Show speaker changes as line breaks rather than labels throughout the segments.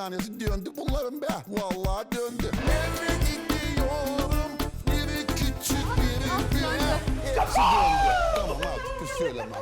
tanesi döndü bunların be. Vallahi döndü. Nereye gidiyorum? Biri küçük, biri büyük. Hepsi döndü. Tamam artık bir söylemem.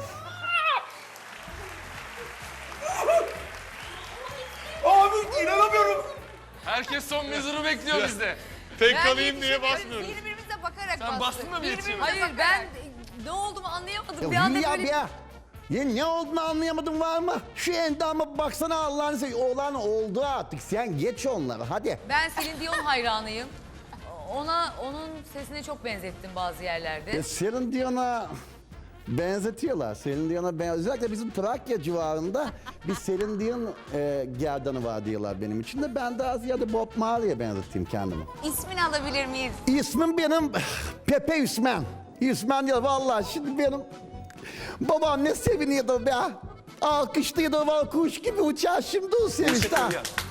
Abi inanamıyorum.
Herkes son mezuru bekliyor bizde.
Tek kalayım diye basmıyoruz.
Birbirimize bakarak
Sen bastın mı bir yetişime?
Hayır ben ne olduğumu anlayamadım. Bir anda
Ya
böyle...
ya. Ya ne olduğunu anlayamadım var mı? Şu endama baksana Allah'ını seveyim. Oğlan oldu artık. Sen geç onları hadi.
Ben Celine Dion hayranıyım. Onun sesine çok benzettim bazı yerlerde.
Celine Dion'a benzetiyorlar. Celine Dion'a özellikle bizim Trakya civarında bir Celine Dion gerdanı var diyorlar benim için de. Ben daha ziyade Bob Marley'e benzeteyim kendimi.
İsmini alabilir miyiz?
İsmim benim Pepe Üsmen. Üsmen diyor vallahi şimdi benim babam ne seviniyordu be. Alkışlıyordu var kuş gibi uçar şimdi o sevinçten.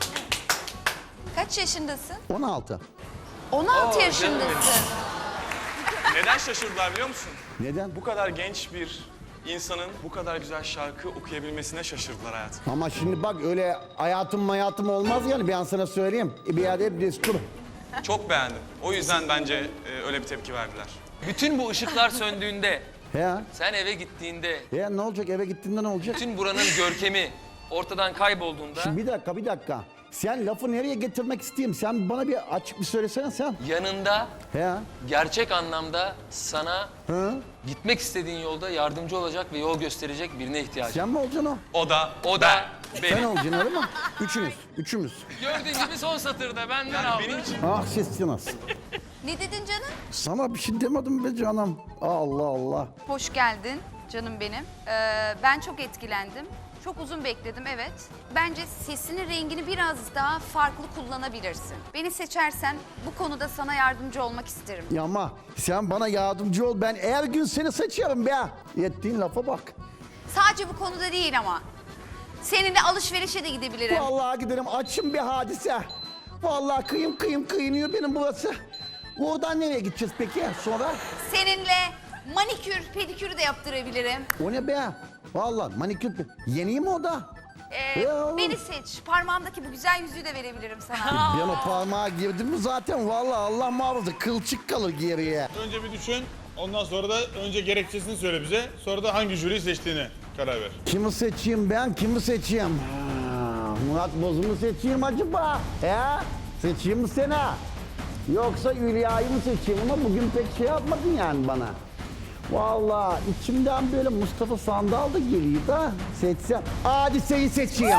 Kaç yaşındasın?
16.
16 yaşındasın.
Neden şaşırdılar biliyor musun?
Neden?
Bu kadar genç bir insanın bu kadar güzel şarkı okuyabilmesine şaşırdılar hayatım.
Ama şimdi bak öyle hayatım olmaz yani ben sana söyleyeyim. Bir yerde hep destur.
Çok beğendim. O yüzden bence öyle bir tepki verdiler.
Bütün bu ışıklar söndüğünde,
Ya.
sen eve gittiğinde,
Ya ne olacak eve gittiğinde ne olacak?
bütün buranın görkemi ortadan kaybolduğunda
Şimdi bir dakika. Sen lafı nereye getirmek isteyeyim? Sen bana bir açık bir söylesene sen.
yanında
Ya.
gerçek anlamda sana
Hı?
gitmek istediğin yolda yardımcı olacak ve yol gösterecek birine ihtiyacın.
Sen mi olacaksın o?
O da
Sen
benim.
olacaksın öyle mi? Üçümüz.
Gördüğün gibi son satırda benden
Yani
aldı.
benim için
Ah sesiniz.
Ne dedin canım?
Sana bir şey demedim be canım. Allah Allah.
Hoş geldin canım benim. Ben çok etkilendim. Çok uzun bekledim evet. Bence sesinin rengini biraz daha farklı kullanabilirsin. Beni seçersen bu konuda sana yardımcı olmak isterim.
Ya ama sen bana yardımcı ol. Ben her gün seni seçerim be. Ettiğin lafa bak.
Sadece bu konuda değil ama. Seninle alışverişe de gidebilirim.
Vallahi giderim açım bir hadise. Vallahi kıyınıyor benim burası. Oradan nereye gideceğiz peki sonra?
Seninle manikür, pedikürü de yaptırabilirim.
O ne be? Vallahi manikür. Yeni mi o da? Ya.
Beni seç. Parmağımdaki bu güzel yüzüğü de verebilirim sana.
Ben o parmağa girdim mi zaten vallahi Allah muhafaza kılçık kalır geriye.
Önce bir düşün, ondan sonra da önce gerekçesini söyle bize. Sonra da hangi jüriyi seçtiğini karar ver.
Kimi seçeyim ben? Kimi seçeyim? Murat Boz'u mu seçeyim acaba? He? Seçeyim mi seni? Yoksa Hülya'yı mı seçeyim ama bugün pek şey yapmadın yani bana. Vallahi içimden böyle Mustafa Sandal da geliyor da seçsem. Hadise'yi seçeyim.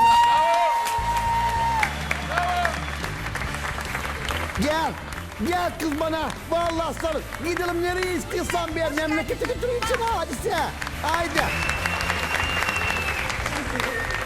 Gel kız bana. Vallahi sarıl. Gidelim nereye istiyorsan bir memlekete götüreyim seni Hadise. Haydi.